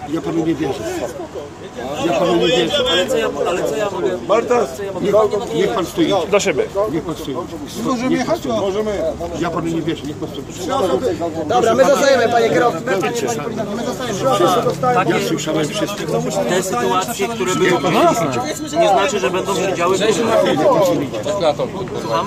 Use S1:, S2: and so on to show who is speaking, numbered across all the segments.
S1: Ja panu nie wierzę. Ja panu nie wierzę.
S2: Ale co ja mogę...
S3: Marta,
S1: Niech pan stoi.
S4: Do siebie.
S1: Niech pan stoi.
S3: możemy jechać? Możemy.
S1: Ja panu nie wierzę. Niech pan stoi.
S5: Dobra, my zostajemy, panie kierowco.
S1: Ja słyszałem wszystko.
S2: Te sytuacje, które były, nie znaczy, że będą się działy. Słucham?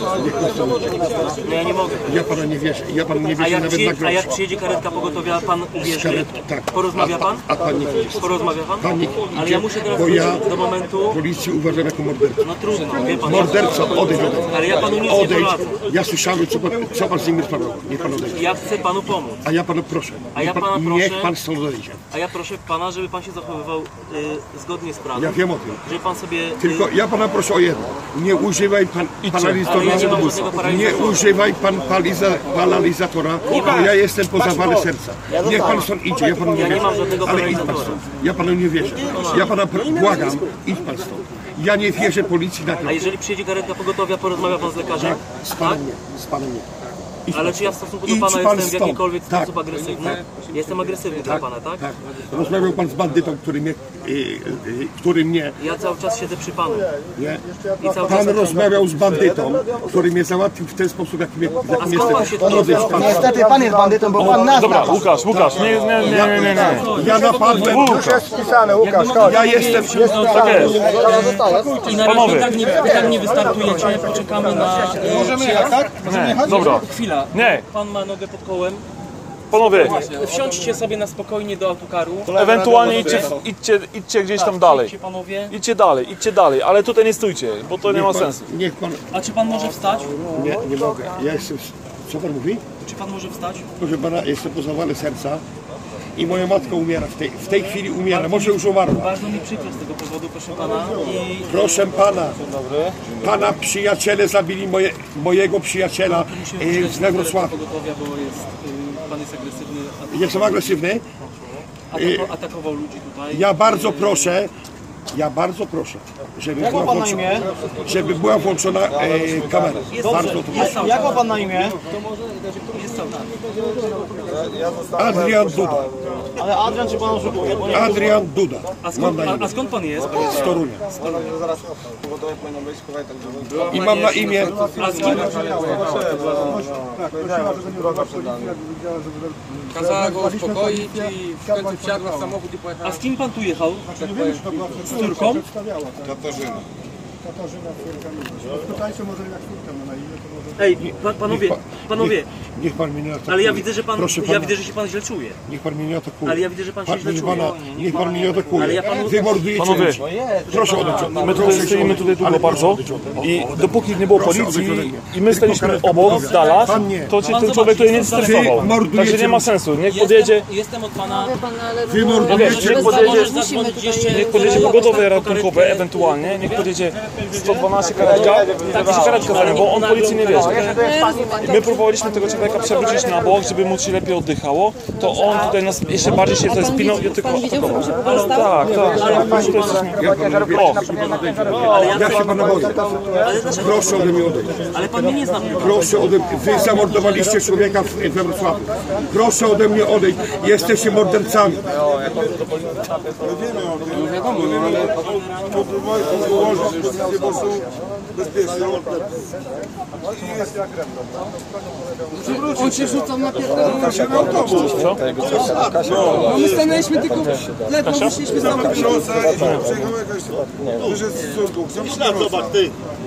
S2: No ja nie mogę.
S1: Ja panu nie wierzę. Ja panu nie wierzę nawet na grosz.
S2: A jak przyjedzie karetka pogotowia, pan uwierzy?
S1: Tak.
S2: Porozmawia pan?
S1: A pan nie idzie.
S2: Porozmawia pan?
S1: Pan nie
S2: Ale
S1: idzie,
S2: ja muszę teraz
S1: bo ja
S2: wrócić do momentu...
S1: policję uważam jako mordercę.
S2: No trudno, wie pan.
S1: Morderca, odejdź ode mnie.
S2: Ale ja panu nic nie
S1: Odejdź.
S2: poradzę.
S1: Ja słyszałem, co pan z nim rozmawiał. Niech pan odejdzie.
S2: Ja chcę panu pomóc.
S1: A ja panu proszę.
S2: A ja pana proszę.
S1: Niech pan stąd odejdzie.
S2: A ja proszę pana, żeby pan się zachowywał zgodnie z prawem.
S1: Ja wiem o tym.
S2: Żeby pan sobie...
S1: Tylko ja pana proszę o jedno. Nie używaj pan paralizatora.
S2: Ale ja nie mam żadnego
S1: Nie
S2: paralizatora.
S1: używaj pan paralizatora, bo ja jestem po zawale serca. Niech pan stąd idzie, ja panu nie
S2: Ja nie
S1: wierzę.
S2: mam żadnego
S1: Ale idź pan
S2: paralizatora.
S1: stąd. Ja panu nie wierzę. Ja pana błagam, idź pan stąd. Ja nie wierzę policji na to.
S2: A jeżeli przyjedzie karetka pogotowia, porozmawia pan z lekarzem?
S1: Z panem nie. Z panem nie.
S2: Ale czy ja w stosunku do
S1: Idź
S2: pana
S1: pan
S2: jestem w
S1: stąd.
S2: jakikolwiek
S1: Tak.
S2: sposób agresywny? Jestem agresywny dla pana, tak?
S1: Tak. Rozmawiał pan z bandytą, który mnie...
S2: Ja cały czas siedzę przy panu.
S1: Nie?
S2: I cały
S1: Pan
S2: czas...
S1: rozmawiał z bandytą, który mnie załatwił w ten sposób, jakim
S2: skąd pan się
S1: jestem.
S2: to
S1: Odejdź
S2: wziął?
S1: pan.
S5: Niestety pan jest bandytą, bo pan nas
S4: Dobra,
S5: napadł.
S4: Łukasz, nie.
S1: Ja napadłem.
S3: Już jest wpisane, Łukasz, chodź.
S1: Ja jestem...
S4: Tak jest.
S2: I na razie tak nie wystartujecie, poczekamy na...
S3: Możemy jechać, tak? Możemy jechać?
S4: Dobra.
S2: Chwila.
S4: Nie.
S2: Pan ma nogę pod kołem.
S4: Panowie,
S2: Wsiądźcie sobie na spokojnie do autokaru.
S4: ewentualnie idźcie gdzieś tam dalej.
S2: Idźcie panowie.
S4: Idźcie dalej, ale tutaj nie stójcie, bo to nie ma sensu.
S1: Niech pan...
S2: A czy pan może wstać?
S1: Nie mogę. Ja jestem... Co pan mówi?
S2: Czy pan może wstać?
S1: Proszę pana, jestem po zawale serca i moja matka umiera. W tej chwili umiera. Może już umarła.
S2: Bardzo mi przykro z tego powodu, proszę pana. I
S1: Proszę pana, pana przyjaciele zabili mojego przyjaciela z Wrocławia.
S2: pogotowia, bo jest, pan jest agresywny.
S1: Jestem agresywny.
S2: Atakował ludzi tutaj.
S1: Ja bardzo proszę, żeby była włączona kamera. Bardzo to proszę.
S5: Jak ma pan na imię?
S1: Adrian Duda.
S5: Ale Adrian czy pan oszukuje?
S1: Adrian Duda.
S2: A skąd pan jest?
S1: Z Torunia. I mam na imię...
S2: A z kim?
S6: Kazała go uspokoić i w końcu wsiadła w samochód i pojechała.
S2: A z kim pan tu jechał? Z córką?
S3: Katarzyna.
S2: Ej, panowie,
S1: Niech pan mnie nie atakuje.
S2: ale ja widzę, że pan,
S1: Proszę pana,
S2: ja widzę, że się pan źle czuje.
S1: niech pan mnie nie atakuje.
S2: Ale ja widzę, że pan się źle
S1: Niech
S2: czuje.
S1: niech pan mnie nie atakuje.
S2: Ale ja panu-
S1: Wy mordujecie
S4: Panowie,
S1: ludzi. Proszę odejść.
S4: My tutaj stoimy długo bardzo i dopóki nie było policji i my staliśmy obok, z dala, to cię ten człowiek tutaj nie stresował. Także nie ma sensu, niech podjedzie,
S2: Jestem od pana...
S1: Wy mordujecie
S4: niech podjedzie pogodowe ratunkowe ewentualnie, niech podjedzie 112 karetka, tak się karetka za nią, bo on policji nie wierzy. My próbowaliśmy tego człowieka przewrócić na bok, żeby mu się lepiej oddychało, to on tutaj nas jeszcze bardziej się tutaj spinął i tylko atakował. Tak.
S1: Ja się pana boję. Proszę ode mnie odejść.
S2: Ale pan mnie nie zna.
S1: Proszę ode mnie. Wy zamordowaliście człowieka we Wrocławiu. Proszę ode mnie odejść. Jesteście mordercami.
S6: On się rzucał na pierdolę. No my stanęliśmy tylko ledwo wyszliśmy z samochodu.
S3: Przyjechał jakaś... Wyszedł z córką. Zobacz, ty.